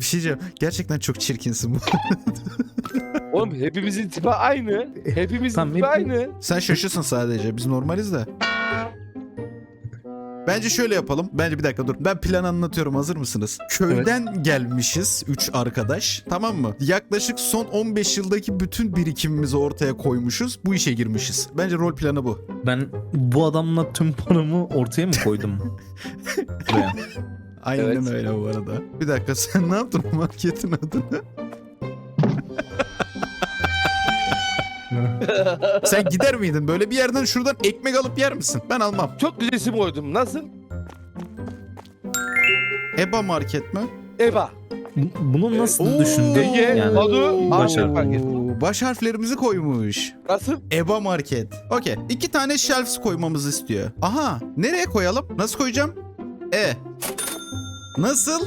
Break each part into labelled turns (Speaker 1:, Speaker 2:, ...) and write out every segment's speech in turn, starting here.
Speaker 1: şey diyeceğim. Gerçekten çok çirkinsin bu.
Speaker 2: Oğlum hepimizin tipi aynı. Hepimizin
Speaker 3: Tamam,
Speaker 2: tipi aynı.
Speaker 1: Sen şaşırsın sadece. Biz normaliz de. Bence şöyle yapalım. Bence bir dakika dur. Ben planı anlatıyorum. Hazır mısınız? Köyden gelmişiz 3 arkadaş. Tamam mı? Yaklaşık son 15 yıldaki bütün birikimimizi ortaya koymuşuz. Bu işe girmişiz. Bence rol planı bu.
Speaker 3: Ben bu adamla tüm paramı ortaya mı koydum? Buraya.
Speaker 1: Aynen
Speaker 2: Evet.
Speaker 1: öyle bu arada. Bir dakika sen ne yaptın marketin adını? Sen gider miydin? Böyle bir yerden şuradan ekmek alıp yer misin? Ben almam.
Speaker 2: Çok güzel isim koydum. Nasıl?
Speaker 1: EBA market mi?
Speaker 2: Eva.
Speaker 3: Bunu nasıl
Speaker 1: Oo.
Speaker 3: düşündün?
Speaker 2: Ege,
Speaker 3: Yani
Speaker 2: Badu,
Speaker 3: baş
Speaker 2: Ahmet
Speaker 3: harfi.
Speaker 2: market.
Speaker 1: Baş harflerimizi koymuş.
Speaker 2: Nasıl?
Speaker 1: EBA market. Okey. 2 tane shelves koymamızı istiyor. Aha. Nereye koyalım? Nasıl koyacağım? Nasıl?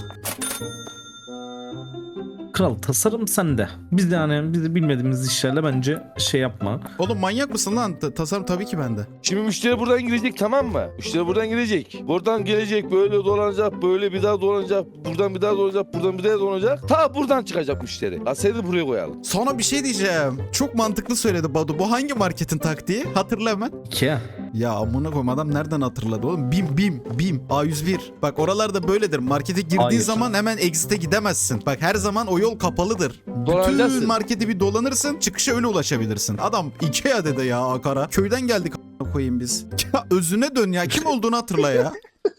Speaker 3: Kral tasarım sende. Biz de yani biz de bilmediğimiz işlerle bence şey yapma.
Speaker 1: Oğlum manyak mısın lan? Tasarım tabii ki bende.
Speaker 2: Şimdi müşteri buradan girecek, tamam mı? Müşteri buradan girecek. Buradan gelecek, böyle dolanacak, böyle bir daha dolanacak, buradan bir daha dolanacak, buradan bir daha dolanacak. Ta buradan çıkacak müşteri. Aseri buraya koyalım.
Speaker 1: Sonra bir şey diyeceğim. Çok mantıklı söyledi Badu. Bu hangi marketin taktiği? Hatırla hemen.
Speaker 3: Ikea.
Speaker 1: Ya amına koyayım adam nereden hatırladı oğlum? BİM A101. Bak oralarda böyledir. Markete girdiğin
Speaker 3: Hayır.
Speaker 1: zaman hemen exit'e gidemezsin. Bak her zaman o yol kapalıdır. Bütün
Speaker 2: Dolanacaksın.
Speaker 1: marketi bir dolanırsın, çıkışa öyle ulaşabilirsin. Adam Ikea dedi ya Akara. Köyden geldik amına koyayım biz. Ya özüne dön ya. Kim olduğunu hatırla ya.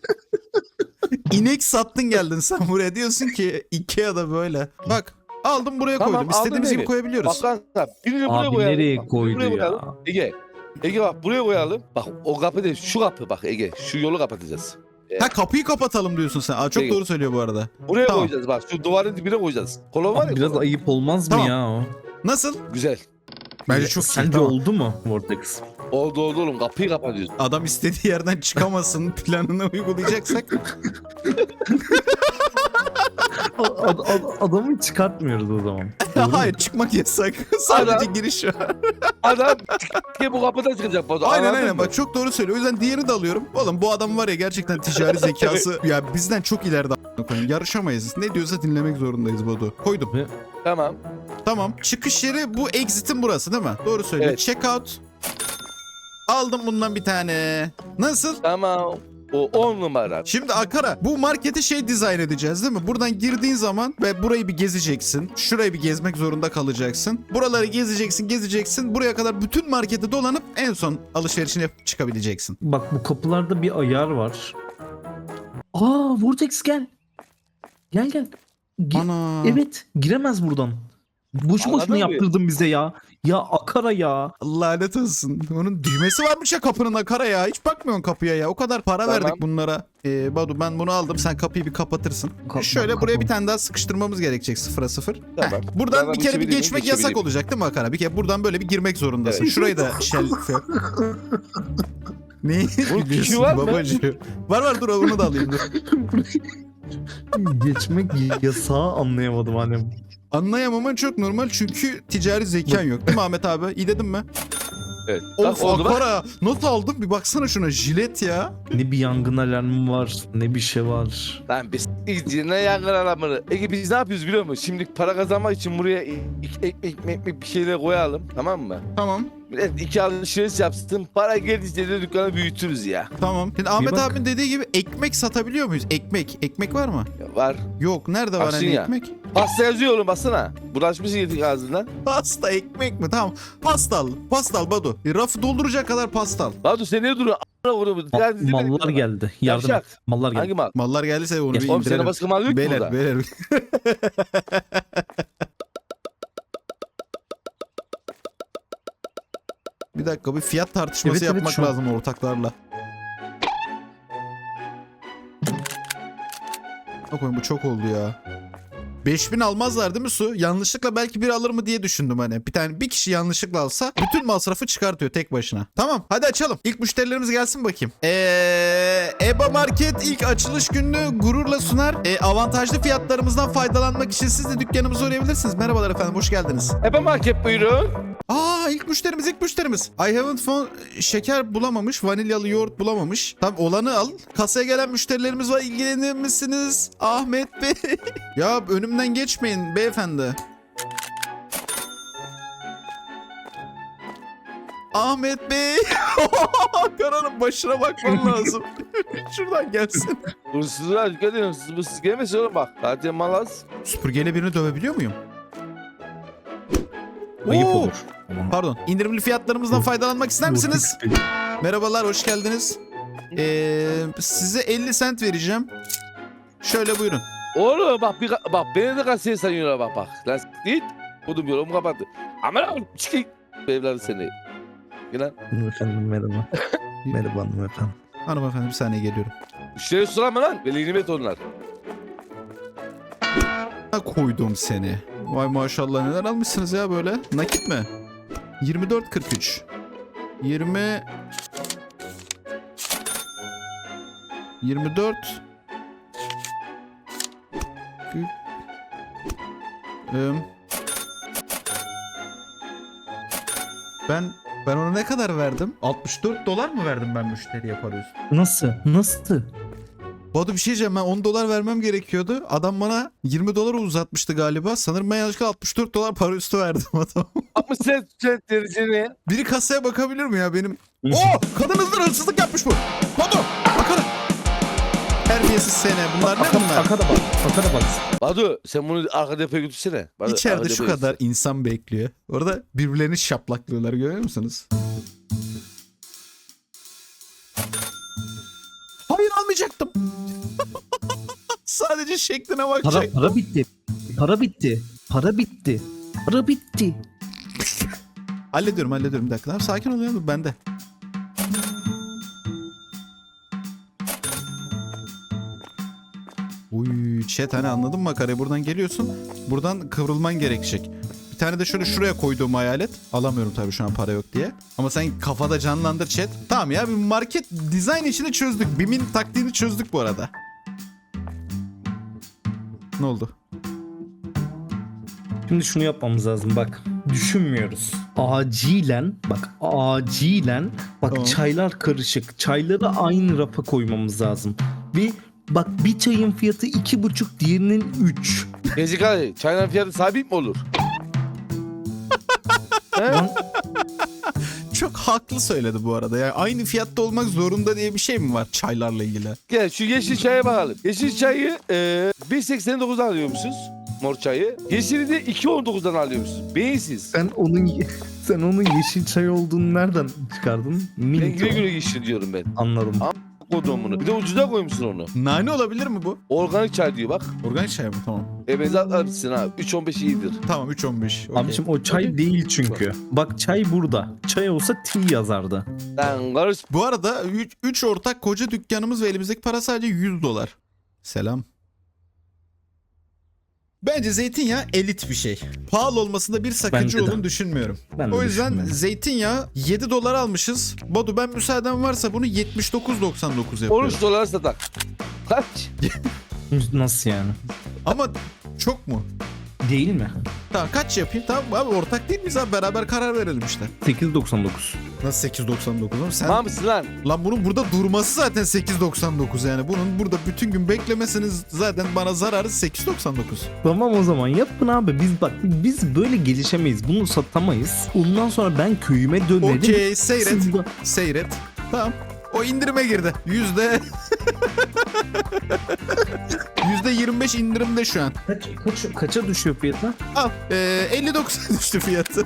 Speaker 1: İnek sattın geldin sen buraya, diyorsun ki Ikea'da böyle. Bak aldım buraya
Speaker 2: Tamam,
Speaker 1: koydum. İstediğimiz
Speaker 2: aldın
Speaker 1: gibi
Speaker 2: evi.
Speaker 1: koyabiliyoruz.
Speaker 2: Bak lan, birini buraya
Speaker 3: Abi
Speaker 2: koyalım.
Speaker 3: nereye
Speaker 2: Bak,
Speaker 3: koydu
Speaker 2: buraya
Speaker 3: ya?
Speaker 2: koyalım. Ege. Ege bak buraya koyalım. Bak o kapı değil, şu kapı bak Ege. Şu yolu kapatacağız.
Speaker 1: Ha kapıyı kapatalım diyorsun sen. Aa, çok
Speaker 2: Peki.
Speaker 1: doğru söylüyor bu arada.
Speaker 2: Buraya
Speaker 1: Tamam.
Speaker 2: koyacağız bak. Şu duvarın dibine koyacağız. Kolon var ya.
Speaker 3: Abi biraz
Speaker 2: kolon.
Speaker 3: ayıp olmaz
Speaker 1: Tamam.
Speaker 3: mı ya o?
Speaker 1: Nasıl?
Speaker 2: Güzel.
Speaker 1: Bence çok iyi.
Speaker 3: Sence
Speaker 1: Tamam.
Speaker 3: oldu mu Vortex?
Speaker 2: Oldu oğlum, kapıyı kapatıyoruz.
Speaker 1: Adam istediği yerden çıkamasın planını uygulayacaksak.
Speaker 3: Adamı çıkartmıyoruz o zaman.
Speaker 1: Hayır çıkmak yasak. Sadece
Speaker 2: Adam-
Speaker 1: giriş var.
Speaker 2: Adam bu kapıdan çıkacak. Batu,
Speaker 1: Aynen
Speaker 2: anladın
Speaker 1: aynen
Speaker 2: mı?
Speaker 1: bak çok doğru söylüyor. O yüzden diğerini de alıyorum. Oğlum bu adam var ya gerçekten ticari zekası. Ya bizden çok ileride a**ına koyayım. Yarışamayız. Ne diyorsa dinlemek zorundayız Badu. Koydum.
Speaker 2: Tamam.
Speaker 1: Tamam. Çıkış yeri bu exit'in burası değil mi? Doğru söylüyor.
Speaker 2: Evet.
Speaker 1: Checkout. Aldım bundan bir tane. Nasıl?
Speaker 2: Tamam. O 10 numara.
Speaker 1: Şimdi Akara bu marketi şey dizayn edeceğiz değil mi? Buradan girdiğin zaman ve burayı bir gezeceksin. Şurayı bir gezmek zorunda kalacaksın. Buraları gezeceksin. Buraya kadar bütün marketi dolanıp en son alışverişini yapıp çıkabileceksin.
Speaker 3: Bak bu kapılarda bir ayar var. Aa Vortex gel. Gel.
Speaker 1: Ana.
Speaker 3: Evet giremez buradan. Boşu
Speaker 2: Anladın
Speaker 3: boşuna
Speaker 2: mı?
Speaker 3: yaptırdın bize ya. Ya Akara ya.
Speaker 1: Lanet olsun. Onun düğmesi varmış ya kapının Akara ya. Hiç bakmıyorsun kapıya ya. O kadar para
Speaker 2: Tamam.
Speaker 1: verdik bunlara. Badu ben bunu aldım. Sen kapıyı bir kapatırsın. Şöyle buraya bir tane daha sıkıştırmamız gerekecek 0'a 0.
Speaker 2: Tamam.
Speaker 1: Buradan
Speaker 2: Ben
Speaker 1: bir kere bir
Speaker 2: geçebilir
Speaker 1: geçmek
Speaker 2: miyim?
Speaker 1: yasak
Speaker 2: Geçebilirim.
Speaker 1: olacak değil mi Akara? Bir kere buradan böyle bir girmek zorundasın.
Speaker 2: Evet.
Speaker 1: Şurayı da şelfe. Neyi
Speaker 2: Bunun
Speaker 1: biliyorsun
Speaker 2: tuşu var mı?
Speaker 1: babacığım? Var dur onu da alayım dur.
Speaker 3: Geçmek yasağı anlayamadım hani.
Speaker 1: Anlayamaman çok normal çünkü ticari zekan yok değil mi Ahmet abi? İyi dedim mi?
Speaker 2: Evet.
Speaker 1: Of
Speaker 2: Bak, oldu bak.
Speaker 1: Akara not aldım bir baksana şuna jilet ya.
Speaker 3: Ne bir yangın alarmı var ne bir şey var.
Speaker 2: Lan biz ne yangın alarmını. Ege biz ne yapıyoruz biliyor musun? Şimdi para kazanmak için buraya ekmek bir şeyler koyalım, tamam mı?
Speaker 1: Tamam.
Speaker 2: Millet 2 alışveriş yapsın. Para geldikçe de dükkanı büyütürüz ya.
Speaker 1: Tamam. Şimdi Ahmet
Speaker 3: bak.
Speaker 1: abinin dediği gibi ekmek satabiliyor muyuz? Ekmek var mı?
Speaker 2: Ya var.
Speaker 1: Yok. Nerede var
Speaker 2: Baksın
Speaker 1: hani
Speaker 2: ya.
Speaker 1: ekmek?
Speaker 2: Pasta yazıyor oğlum, baksana. Bulaşmışsın yedik ağzından.
Speaker 1: Pasta ekmek mi? Tamam. Pasta al Badu. Rafı dolduracak kadar pasta al.
Speaker 2: Batu sen ne duruyorsun? A**ına vuruyor.
Speaker 3: Mallar geldi. Yardım et.
Speaker 2: Yavşak.
Speaker 3: Mallar geldi.
Speaker 2: Hangi mal?
Speaker 1: Mallar geldiyse onu
Speaker 3: Ya,
Speaker 1: bir
Speaker 2: Oğlum senin
Speaker 1: indirelim.
Speaker 2: başka mal yok ki burada.
Speaker 1: Beyler. Bir dakika bir fiyat tartışması
Speaker 3: Evet,
Speaker 1: yapmak
Speaker 3: şu an.
Speaker 1: lazım ortaklarla. Bakın bu çok oldu ya. 5000 almazlar değil mi su? Yanlışlıkla belki biri alır mı diye düşündüm hani. Bir kişi yanlışlıkla alsa bütün masrafı çıkartıyor tek başına. Tamam hadi açalım. İlk müşterilerimiz gelsin bakayım. EBA Market ilk açılış gününü gururla sunar. Avantajlı fiyatlarımızdan faydalanmak için siz de dükkanımıza uğrayabilirsiniz. Merhabalar efendim hoş geldiniz.
Speaker 2: Ebe market buyurun.
Speaker 1: İlk müşterimiz. I haven't found şeker bulamamış, vanilyalı yoğurt bulamamış. Tamam olanı al. Kasaya gelen müşterilerimiz var. İlgilenir misiniz Ahmet Bey? Ya önümde önümden geçmeyin beyefendi. Ahmet Bey. Karanın başına bakman lazım. Şuradan gelsin.
Speaker 2: Hırsızlar dikkat edin. Hırsız gelmesin oğlum bak. Zaten malaz.
Speaker 1: Süpürgeyle birini dövebiliyor muyum?
Speaker 3: Ayıp
Speaker 1: Oo!
Speaker 3: olur.
Speaker 1: Pardon. İndirimli fiyatlarımızdan faydalanmak ister misiniz? Merhabalar, hoş geldiniz. Size 50 sent vereceğim. Şöyle buyurun.
Speaker 2: Oğlum bak bak beni de kasiye sanıyorlar bak. Lan git. Kodum yolumu kapattı. Aman abi çıkayım. Evladı seni. Gel lan.
Speaker 3: Efendim merhaba. Merhaba hanımefendi.
Speaker 1: Hanımefendi bir saniye geliyorum.
Speaker 2: Müşteri sorama lan. Veli nimet onlar.
Speaker 1: Ha, koydum seni. Vay maşallah, neler almışsınız ya böyle. Nakit mi? 24.43. 20 24 ben ona ne kadar verdim? 64 dolar mı verdim ben müşteriye para üstü?
Speaker 3: Nasıl?
Speaker 1: Badu bir şey diyeceğim, ben 10 dolar vermem gerekiyordu. Adam bana 20 dolar uzatmıştı galiba. Sanırım ben yanlışlıkla 64 dolar para üstü verdim adam.
Speaker 2: 60 cent dereceni.
Speaker 1: Biri kasaya bakabilir mi ya benim? Oo! Kadın hırsızlık yapmış bu. Badu! Bakalım. Terbiyesiz sene. Bunlar ne bunlar?
Speaker 3: Akada bak.
Speaker 2: Badu sen bunu arka depoya götürsene. Badu,
Speaker 1: İçeride
Speaker 2: arka
Speaker 1: şu
Speaker 2: depoya
Speaker 1: kadar insan bekliyor. Orada birbirlerini şaplaklıyorlar, görüyor musunuz? Hayır, almayacaktım. Sadece şekline bakacaktım.
Speaker 3: Para bitti.
Speaker 1: Hallediyorum bir dakika. Tamam, sakin ol ya, bu bende. Uy chat, hani anladın mı makarayı? Buradan geliyorsun. Buradan kıvrılman gerekecek. Bir tane de şöyle şuraya koyduğum hayalet. Alamıyorum tabii şu an, para yok diye. Ama sen kafada canlandır chat. Tamam ya, bir market dizayn işini çözdük. BİM'in taktiğini çözdük bu arada. Ne oldu?
Speaker 3: Şimdi şunu yapmamız lazım bak. Düşünmüyoruz. Acilen
Speaker 1: Tamam.
Speaker 3: çaylar karışık. Çayları aynı rafa koymamız lazım. Bir çayın fiyatı 2,5, diğerinin 3.
Speaker 2: Gezik abi çayların fiyatı sabit mi olur?
Speaker 3: Lan
Speaker 1: Çok haklı söyledi bu arada. Yani aynı fiyatta olmak zorunda diye bir şey mi var çaylarla ilgili?
Speaker 2: Gel şu yeşil çaya bakalım. Yeşil çayı 1.89'dan alıyormuşsunuz. Mor çayı. Yeşili de 2.19'dan alıyormuşsunuz. Beyinsiz.
Speaker 3: sen onun yeşil çay olduğunu nereden çıkardın?
Speaker 2: Ben güle güle yeşil diyorum ben.
Speaker 3: Anladım.
Speaker 2: Koydum bunu. Bir de ucuza koymuşsun onu.
Speaker 1: Nane olabilir mi bu?
Speaker 2: Organik çay diyor bak.
Speaker 1: Organik çay mı? Tamam.
Speaker 2: Benzer atmışsın abi. 3.15 iyidir.
Speaker 1: Tamam 3.15. Okay.
Speaker 3: Abiciğim o çay
Speaker 2: Okey.
Speaker 3: değil çünkü. Bak çay burada. Çay olsa tea yazardı.
Speaker 2: Lan karış.
Speaker 1: Bu arada 3 ortak koca dükkanımız ve elimizdeki para sadece 100 dolar. Selam. Bence zeytinyağı elit bir şey. Pahalı olmasında bir sakınca
Speaker 3: Bence de.
Speaker 1: olduğunu düşünmüyorum.
Speaker 3: Ben de
Speaker 1: O yüzden
Speaker 3: düşünmüyorum.
Speaker 1: zeytinyağı 7 dolar almışız. Badu, ben müsaaden varsa bunu 79.99 yapıyorum.
Speaker 2: 13 dolar satak. Kaç?
Speaker 3: Nasıl yani?
Speaker 1: Ama çok mu?
Speaker 3: Değil mi?
Speaker 1: Tamam, kaç yapayım? Tamam abi, ortak değil miyiz abi? Beraber karar verelim işte.
Speaker 3: 8,99.
Speaker 1: Nasıl 8.99 oğlum? Sen...
Speaker 2: Tamam mısın lan?
Speaker 1: Lan bunun burada durması zaten 8.99 yani. Bunun burada bütün gün beklemeseniz zaten bana zararı 8.99.
Speaker 3: Tamam o zaman yapın abi. Biz böyle gelişemeyiz. Bunu satamayız. Ondan sonra ben köyüme dönerim.
Speaker 1: Okey, seyret.
Speaker 3: Siz de-
Speaker 1: Seyret. Tamam. O indirime girdi. %25 indirimde şu an.
Speaker 3: Kaça düşüyor fiyatı?
Speaker 1: Al. 59'a düştü fiyatı.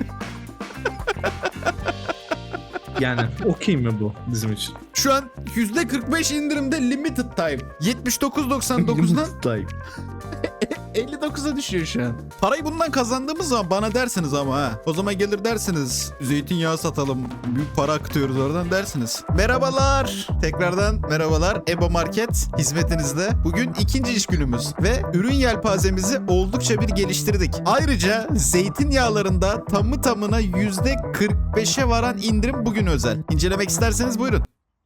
Speaker 3: Yani okey mi bu bizim için?
Speaker 1: Şu an %45 indirimde limited time. 79.99'dan
Speaker 3: Time.
Speaker 1: 59'a düşüyor şu an. Parayı bundan kazandığımız zaman bana dersiniz ama ha. O zaman gelir dersiniz. Zeytinyağı satalım. Büyük para akıtıyoruz oradan dersiniz. Merhabalar. Tekrardan merhabalar. EBA Market hizmetinizde. Bugün ikinci iş günümüz. Ve ürün yelpazemizi oldukça bir geliştirdik. Ayrıca zeytinyağlarında tamı tamına %45'e varan indirim bugün özel. İncelemek isterseniz buyurun.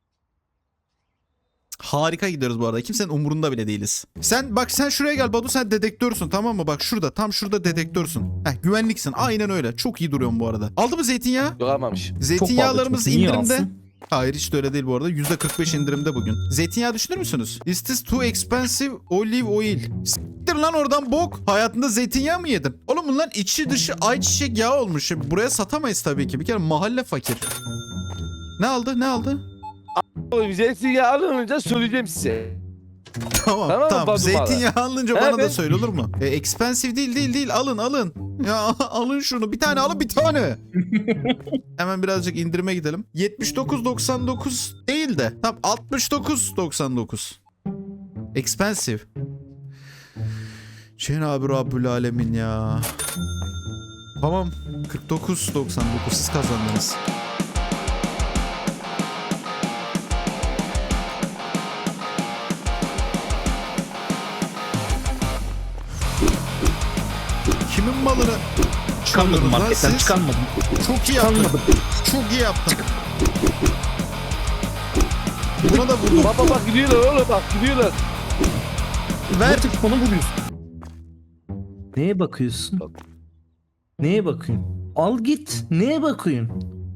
Speaker 1: Harika gidiyoruz bu arada. Kimsenin umurunda bile değiliz. Sen şuraya gel Badu, sen dedektörsün, tamam mı? Bak şurada, tam şurada dedektörsün. Güvenliksin. Aynen öyle. Çok iyi duruyorsun bu arada. Aldı mı zeytinyağı?
Speaker 2: Yok almamış.
Speaker 1: Zeytinyağlarımız
Speaker 3: Çok pahalı çünkü. Niye
Speaker 1: indirimde.
Speaker 3: alsın?
Speaker 1: Hayır hiç de öyle değil bu arada. %45 indirimde bugün. Zeytinyağı düşünür müsünüz? Is this too expensive olive oil? Siktir lan oradan bok. Hayatında zeytinyağı mı yedin? Oğlum bunların içi dışı ayçiçek yağı olmuş. Buraya satamayız tabii ki. Bir kere mahalle fakir. Ne aldı? Ne aldı?
Speaker 2: Oğlum zeytinyağı alınınca söyleyeceğim size.
Speaker 1: Tamam
Speaker 2: Tamam mı
Speaker 1: tamam.
Speaker 2: Badu
Speaker 1: Zeytinyağı alınca bana da
Speaker 2: Evet.
Speaker 1: söyle olur mu? Expensive değil. Alın. Ya alın şunu. Bir tane alın bir tane. Hemen birazcık indirime gidelim. 79.99 değil de. Tam 69.99. Expensive. Cenab-ı Rabbül Alemin ya. Tamam. 49.99 siz kazandınız. Kimin malını
Speaker 3: Çıkarmadım
Speaker 1: çalıyorsunuz lan
Speaker 3: marketten,
Speaker 1: siz?
Speaker 3: çıkarmadım.
Speaker 1: Çok iyi yaptın.
Speaker 3: Çıkarmadım.
Speaker 1: Çok iyi yaptın. Buna da vurdum.
Speaker 2: Bak gidiyorlar oğlum bak gidiyorlar.
Speaker 1: Ver.
Speaker 3: Vortex bana vuruyorsun. Neye bakıyorsun? Neye bakıyorsun? Al git. Neye bakıyorsun?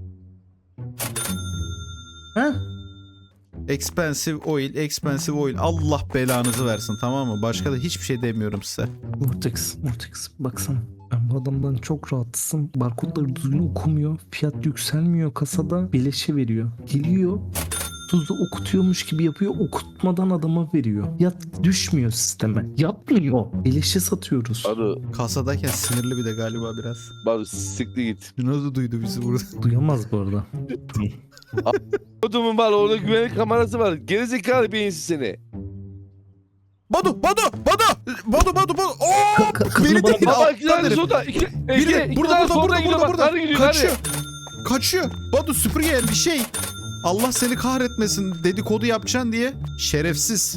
Speaker 3: Ha?
Speaker 1: Expensive oil. Allah belanızı versin tamam mı? Başka da hiçbir şey demiyorum size.
Speaker 3: Vortex baksana. Ben bu adamdan çok rahatsızım. Barkodları düzgün okumuyor. Fiyat yükselmiyor kasada. Beleşe veriyor. Geliyor. Tuzu okutuyormuş gibi yapıyor. Okutmadan adama veriyor. Ya düşmüyor sisteme. Yapmıyor. Beleşe satıyoruz.
Speaker 2: Badu,
Speaker 1: Kasadayken sinirli bir de galiba biraz.
Speaker 2: Badu siktir git.
Speaker 1: Nasıl duydu bizi burada?
Speaker 3: Duyamaz bu arada.
Speaker 2: Badu'mun var orada güvenlik kamerası var. Gerizekalı beyinsiz seni.
Speaker 1: Badu. Oo!
Speaker 3: Kadını
Speaker 1: Beni
Speaker 3: bana
Speaker 1: değil.
Speaker 3: bak.
Speaker 2: Baba
Speaker 1: alttan
Speaker 2: iki tane
Speaker 1: herif.
Speaker 2: solda.
Speaker 1: Biri de
Speaker 2: İki
Speaker 1: burada
Speaker 2: tane solda gidiyor bak.
Speaker 1: burada.
Speaker 2: Hadi gidiyor
Speaker 1: Kaçıyor.
Speaker 2: hadi.
Speaker 1: Kaçıyor. Badu süpürge bir şey. Allah seni kahretmesin dedikodu yapacaksın diye. Şerefsiz.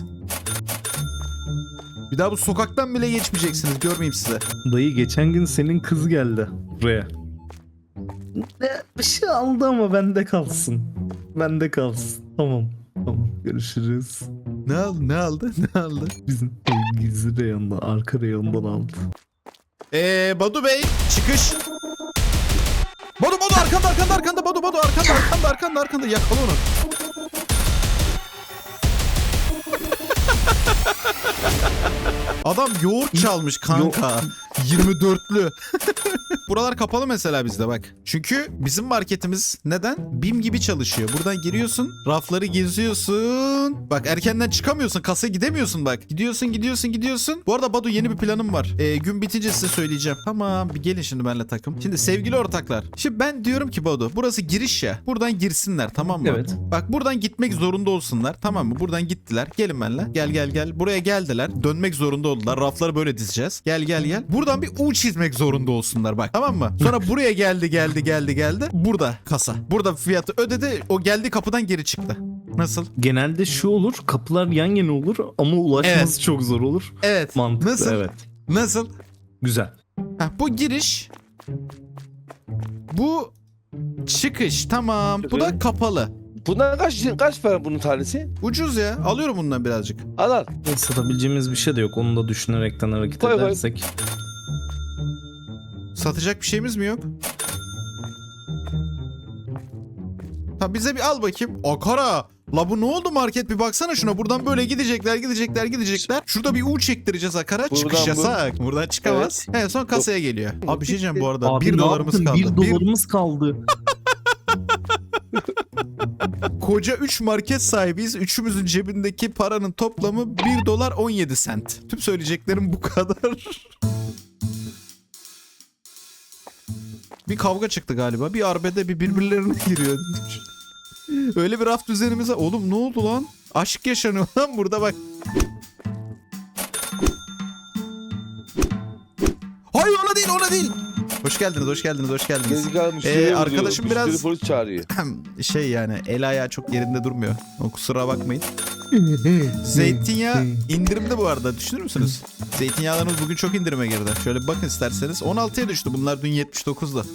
Speaker 1: Bir daha bu sokaktan bile geçmeyeceksiniz. Görmeyeyim size.
Speaker 3: Dayı geçen gün senin kız geldi buraya. Bir şey aldı ama bende kalsın. Bende kalsın. Tamam görüşürüz.
Speaker 1: Ne aldı?
Speaker 3: Bizim gizli reyonda, arka reyondan aldı.
Speaker 1: Badu Bey çıkış. Badu arkanda Badu arkanda yakala onu. Adam yoğurt çalmış kanka. 24'lü. Buralar kapalı mesela bizde bak. Çünkü bizim marketimiz neden? BİM gibi çalışıyor. Buradan giriyorsun, rafları geziyorsun. Bak erkenden çıkamıyorsun, kasaya gidemiyorsun bak. Gidiyorsun. Bu arada Badu yeni bir planım var. Gün bitince size söyleyeceğim. Tamam bir gelin şimdi benimle takım. Şimdi sevgili ortaklar. Şimdi ben diyorum ki Badu burası giriş ya. Buradan girsinler tamam mı?
Speaker 3: Evet.
Speaker 1: Bak buradan gitmek zorunda olsunlar tamam mı? Buradan gittiler. Gelin benimle. Gel. Buraya geldiler. Dönmek zorunda oldular. Rafları böyle dizeceğiz. Gel. Buradan bir U çizmek zorunda olsunlar bak. Tamam mı? Sonra buraya geldi. Burada kasa. Burada fiyatı ödedi. O geldi kapıdan geri çıktı. Nasıl?
Speaker 3: Genelde şu olur, kapılar yan yana olur ama ulaşması
Speaker 1: Evet.
Speaker 3: çok zor olur.
Speaker 1: Evet.
Speaker 3: Mantıklı,
Speaker 1: Nasıl?
Speaker 3: evet.
Speaker 1: Nasıl?
Speaker 3: Güzel.
Speaker 1: Bu giriş. Bu çıkış. Tamam. Bu da kapalı.
Speaker 2: Bundan kaç para bunun tanesi?
Speaker 1: Ucuz ya. Alıyorum bundan birazcık.
Speaker 2: Al.
Speaker 3: Satabileceğimiz bir şey de yok. Onu da düşünerekten hareket
Speaker 2: Koy.
Speaker 3: edersek.
Speaker 1: Satacak bir şeyimiz mi yok? Ha bize bir al bakayım. Akara. La bu ne oldu market bir baksana şuna. Buradan böyle gidecekler. Şurada bir U çektireceğiz Akara.
Speaker 2: Buradan
Speaker 1: Çıkış
Speaker 2: bu.
Speaker 1: yasak. Buradan çıkamaz. Evet son kasaya geliyor. Abi bir şey diyeceğim bu arada.
Speaker 3: Abi
Speaker 1: 1
Speaker 3: ne
Speaker 1: dolarımız
Speaker 3: yaptın?
Speaker 1: kaldı.
Speaker 3: 1 dolarımız kaldı.
Speaker 1: Koca 3 market sahibiyiz. Üçümüzün cebindeki paranın toplamı 1 dolar 17 sent. Tüm söyleyeceklerim bu kadar. Bir kavga çıktı galiba. Bir arbede bir birbirlerine giriyor. Öyle bir raf düzenimize... Oğlum ne oldu lan? Aşk yaşanıyor lan burada bak. Hayır ona değil. Hoş geldiniz.
Speaker 2: Gerizekalı müşteri
Speaker 1: arkadaşım
Speaker 2: vuruyor.
Speaker 1: biraz-
Speaker 2: Müşteri polis çağırıyor.
Speaker 1: Şey yani el ayağı çok yerinde durmuyor. O kusura bakmayın. Zeytinyağı indirimde bu arada. Düşünür müsünüz? Zeytinyağlarımız bugün çok indirime girdi. Şöyle bir bakın isterseniz. 16'ya düştü. Bunlar dün 79'da.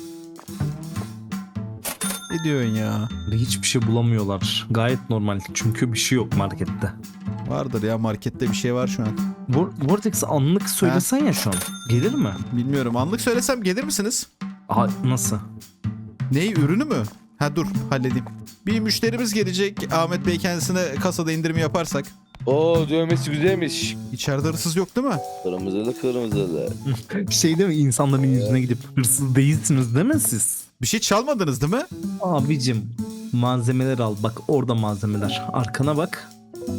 Speaker 1: Ne diyorsun ya?
Speaker 3: Hiçbir şey bulamıyorlar. Gayet normal. Çünkü bir şey yok markette.
Speaker 1: Vardır ya markette bir şey var şu an.
Speaker 3: Vortex'e anlık söylesen ya şu an. Gelir mi?
Speaker 1: Bilmiyorum. Anlık söylesem gelir misiniz?
Speaker 3: Nasıl?
Speaker 1: Neyi? Ürünü mü? Ha dur halledeyim. Bir müşterimiz gelecek. Ahmet Bey kendisine kasada indirim yaparsak.
Speaker 2: Oo dövmesi güzelmiş.
Speaker 1: İçeride hırsız yok değil mi?
Speaker 2: Kırmızılı kırmızılı.
Speaker 3: Şey değil mi, insanların yüzüne gidip hırsız değilsiniz değil mi siz?
Speaker 1: Bir şey çalmadınız değil mi?
Speaker 3: Abicim malzemeler al, bak orada malzemeler. Arkana bak.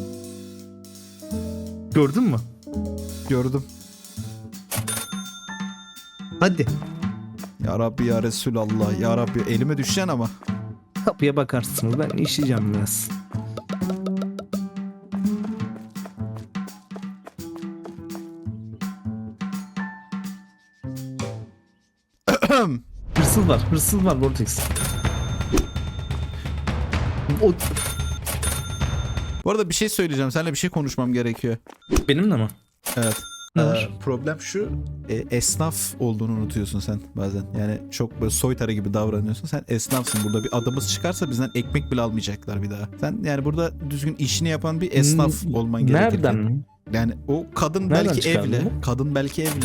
Speaker 3: Gördün mü?
Speaker 1: Gördüm.
Speaker 3: Hadi
Speaker 1: Ya Rabbi ya Resulallah ya Rabbi elime düşeceksin ama.
Speaker 3: kapıya bakarsınız, ben işeyeceğim biraz. Hırsız var Vortex. O
Speaker 1: Bu arada bir şey söyleyeceğim. Seninle bir şey konuşmam gerekiyor.
Speaker 3: benimle mi?
Speaker 1: Evet.
Speaker 3: Ne var?
Speaker 1: Problem şu. Esnaf olduğunu unutuyorsun sen bazen. Yani çok böyle soytarı gibi davranıyorsun. Sen esnafsın. Burada bir adımız çıkarsa bizden ekmek bile almayacaklar bir daha. Sen yani burada düzgün işini yapan bir esnaf olman gerekir.
Speaker 3: Nereden?
Speaker 1: Yani o kadın
Speaker 3: Nereden
Speaker 1: belki
Speaker 3: çıkardın
Speaker 1: evli.
Speaker 3: bunu?
Speaker 1: Kadın belki evli.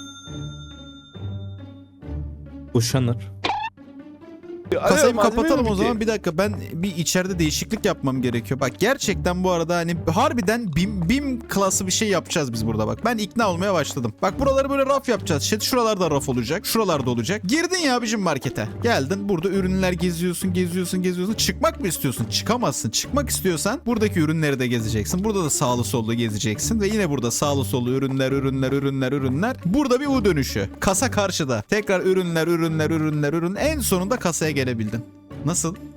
Speaker 3: Boşanır.
Speaker 1: Kasayı
Speaker 2: Malzeme
Speaker 1: kapatalım
Speaker 2: mi
Speaker 1: o
Speaker 2: ki?
Speaker 1: zaman. Bir dakika ben bir içeride değişiklik yapmam gerekiyor. Bak gerçekten bu arada hani harbiden BİM klası bir şey yapacağız biz burada bak. Ben ikna olmaya başladım. Bak buraları böyle raf yapacağız. İşte şuralarda raf olacak. Şuralarda olacak. Girdin ya abicim markete. Geldin burada ürünler geziyorsun. Çıkmak mı istiyorsun? Çıkamazsın. Çıkmak istiyorsan buradaki ürünleri de gezeceksin. Burada da sağlı sollu gezeceksin. Ve yine burada sağlı sollu ürünler. Burada bir U dönüşü. Kasa karşıda. Tekrar ürünler. En sonunda kasaya gelebildin. Nasıl?